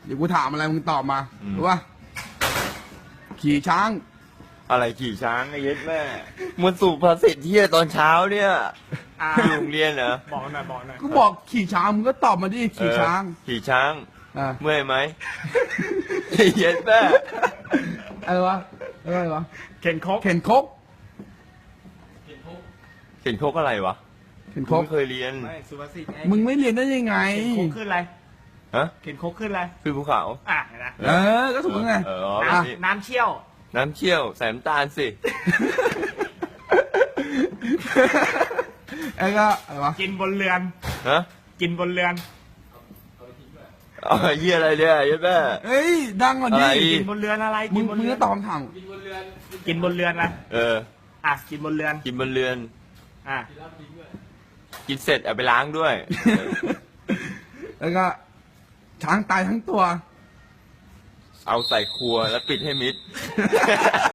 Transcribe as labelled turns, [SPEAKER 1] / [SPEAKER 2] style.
[SPEAKER 1] เดี๋ยวกูถามอะไรมึงตอบมารู้ป่ะขี่ช้าง
[SPEAKER 2] อะไรขี่ช้างไอ้เย็ดแม่มันสูบภาษิตที่ตอนเช้าเนี่ยอยู่โรงเรียนเหรอ
[SPEAKER 3] บอกหน่อยบอกหน่อย
[SPEAKER 1] ก็บอกขี่ช้างมึงก็ตอบมาดิขี่ช้าง
[SPEAKER 2] ขี่ช้าง
[SPEAKER 1] อ่ะ
[SPEAKER 2] เมื่อยไหมไอ้เย็ดแม่
[SPEAKER 1] อะไรวะอะไรวะ
[SPEAKER 3] เข็นครก
[SPEAKER 1] เข็นคก
[SPEAKER 2] เข็นโคกอะไรวะ
[SPEAKER 1] เข็นค
[SPEAKER 2] กู
[SPEAKER 1] ก
[SPEAKER 2] ไม่เคยเรียน
[SPEAKER 3] ไม่สุภาษิตไง
[SPEAKER 1] มึงไม่เรียนได้ยังไง
[SPEAKER 3] เข็นครกขึ้นอะไร
[SPEAKER 2] ฮะ
[SPEAKER 3] เข็นครกขึ้นอะไร
[SPEAKER 2] คือภูเขา
[SPEAKER 3] เห็นไหม
[SPEAKER 1] เออก็ถูกแล้วไง
[SPEAKER 2] เออ
[SPEAKER 1] อ่ะ
[SPEAKER 3] น้ำเชี่ยว
[SPEAKER 2] น้ำเชี่ยวใส่น้ำตาลสิ
[SPEAKER 1] ไอ้ก็อะไรวะ
[SPEAKER 3] กินบนเรือน
[SPEAKER 2] ฮะ
[SPEAKER 3] กินบนเรือน
[SPEAKER 2] เอาเยี่ยอะไรเนี่ยเย็ดแม่
[SPEAKER 1] เฮ้ยดังกว่า
[SPEAKER 2] อะไร
[SPEAKER 1] นี้
[SPEAKER 3] กินบนเรือนอะไร
[SPEAKER 1] มึ
[SPEAKER 3] กิ
[SPEAKER 1] ง
[SPEAKER 3] นบน
[SPEAKER 1] มึง
[SPEAKER 3] เรื
[SPEAKER 1] ก็ตอบคำถาม
[SPEAKER 3] กินบนเรือนอะไร
[SPEAKER 2] เออ
[SPEAKER 3] กินบนเรือน
[SPEAKER 2] กินบนเรือน
[SPEAKER 3] อ่ะ
[SPEAKER 2] กินเสร็จเอาไปล้างด้วย
[SPEAKER 1] แล้วก็ช้างตายทั้งตัว
[SPEAKER 2] เอาใส่ครัวแล้วปิดให้มิด